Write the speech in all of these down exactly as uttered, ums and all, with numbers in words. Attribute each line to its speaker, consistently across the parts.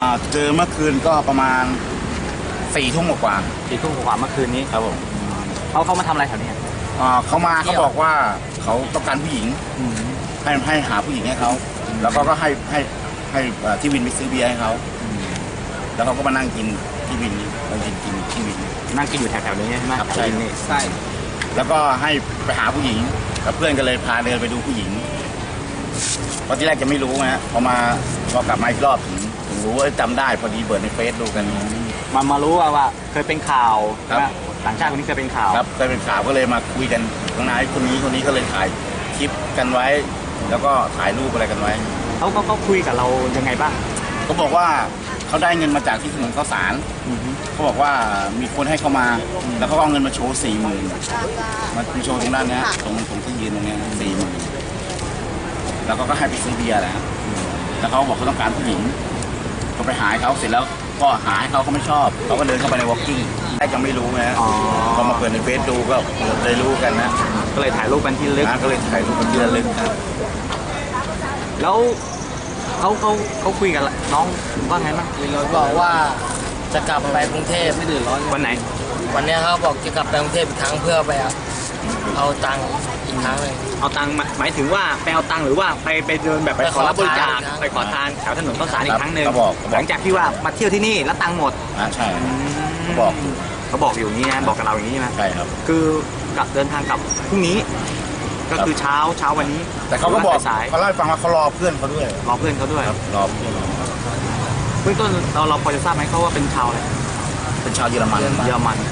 Speaker 1: เจอเมื่อคืนก็ประมาณสี่ทุ่มกว่า
Speaker 2: สี่ทุ่มกว่าเมื่อคืนนี้
Speaker 1: ครับผม
Speaker 2: เขาเขามาทำอะไรแถวนี้
Speaker 1: เขามาเขาบอกว่าเขาต้องการผู้หญิงให้ให้หาผู้หญิงให้เขาแล้วก็ก็ให้ให้ให้ที่วินไปซื้อเบียร์ให้เขาแล้วเขาก็มานั่งกินที่วินมากินกินที่วิน
Speaker 2: นั่งกินอยู่แถวๆนี้ใช่ไหม
Speaker 1: ครับใช่
Speaker 2: ใช่
Speaker 1: แล้วก็ให้ไปหาผู้หญิงกับเพื่อนก็เลยพาเดินไปดูผู้หญิงเพราะที่แรกจะไม่รู้นะพอมาพอกลับมาอีกรอบถึงถึงรู้ว่าจำได้พอดีเปิดในเฟซดูกัน
Speaker 2: มามารู้ว่าว่าเคยเป็นข่าวต่างชาติคนนี้เคยเป็นข่าว
Speaker 1: ครับเคยเป็นข่าวก็เลยมาคุยกันข้างในคนนี้คนนี้ก็เลยถ่ายคลิปกันไว้แล้วก็ถ่ายรูปอะไรกันไว้
Speaker 2: เขาก็เขาคุยกับเรายังไงบ้าง
Speaker 1: เขาบอกว่าเขาได้เงินมาจากที่ถนนข้าวสารเขาบอกว่ามีคนให้เขามาแล้วเขาเอาเงินมาโชว์สี่หมื่นมาโชว์ตรงด้านนี้ตรงตรงที่ยืนตรงนี้สี่หมื่นแล้วก็ให้ไปซื้อเบียร์แหละแล้วเขาบอกเขาต้องการผู้หญิงก็ไปหาเขาเสร็จแล้วก็หาให้เขาเขาไม่ชอบเขาก็เดินเข้าไปในวอล์กกิ้งได้ก็ไม่รู้นะพอมาเปิดในเฟซดูก็เลยรู้กันนะ
Speaker 2: ก็เลยถ่ายรูปกันที่ระลึก
Speaker 1: ก็เลยถ่ายรูปกันที่ระลึกครับ
Speaker 2: แล้วเขาเขาเขาคุยกับน้องว่าไงบ้าง
Speaker 3: เราบอกว่าจะกลับไปกรุงเทพไม่เดือดร้อน
Speaker 2: วันไหน
Speaker 3: วันนี้เขาบอกจะกลับไปกรุงเทพอีกครั้งเพื่อไปเอาตังค์อีกครั้งเลย
Speaker 2: เอาตังค์หมายถึงว่าไปเอาตังค์หรือว่าไปไปเดินแบบไปขอรับบริจาคไปขอทานแถวถนนข้าวสารอีกครั้งหนึ่งหลังจากที่ว่ามาเที่ยวที่นี่แล้วตังค์หมด
Speaker 1: อ่าใช่เขาบอก
Speaker 2: เขาบอกอยู่นี้นะบอกกับเราอย่างนี้นะ
Speaker 1: ใช่ครับ
Speaker 2: คือกลับเดินทางกลับพรุ่งนี้ก็คือเช้าเช้าวันนี้
Speaker 1: แต่เขาก็บอกเขาเล่าให้ฟังว่าเขารอเพื่อนเขาด้วย
Speaker 2: รอเพื่อนเขาด้วย
Speaker 1: รอเพื่อน
Speaker 2: เบื้องต้นเราเราพอจะทราบไหมเขาว่าเป็นชาวอะไร
Speaker 1: เป็นชาวเยอรมัน
Speaker 2: เยอรมัน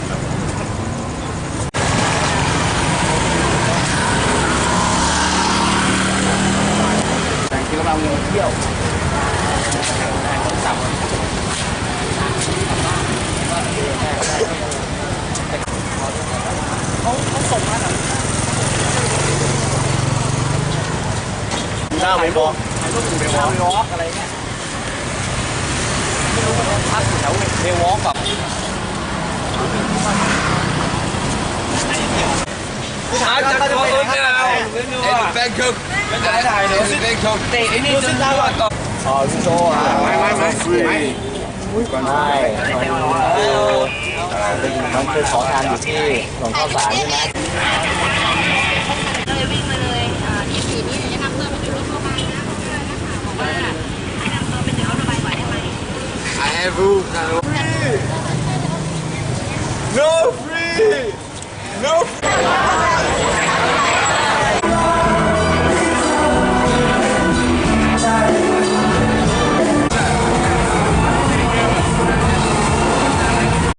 Speaker 1: แต่ที่เราเที่ยวเขาเขาส่งมาหน่อยหน้าเวบอลถ่ายรูปอยู่เวบอลเววอล์กอะไรเงี้ยไม่รู้ว่าพักอยู่แถวเววอล์กแบบถ่ายจากตัวเองแล้วเอ็นแบงค์คุกไม่ได้ถ่ายเลยแบงค์คุกเตะไอ้นี่จนได้ว่าก่อนอ๋อพี่โซ่ไม่ไม่ไม่ไม่ก่อนได้น้องเคยขอทานอยู่ที่ถนนข้าวสารใช่ไหม
Speaker 4: เลยวิ่งมาเลยยี่สิบสี่นี้จะนำตัวไปถึงรถโรงพยาบาลนะบอกว่าให้นำตัวไปถึงรถโรงพยาบาลไหวได้ไหม
Speaker 3: I have roof
Speaker 4: No free
Speaker 3: No free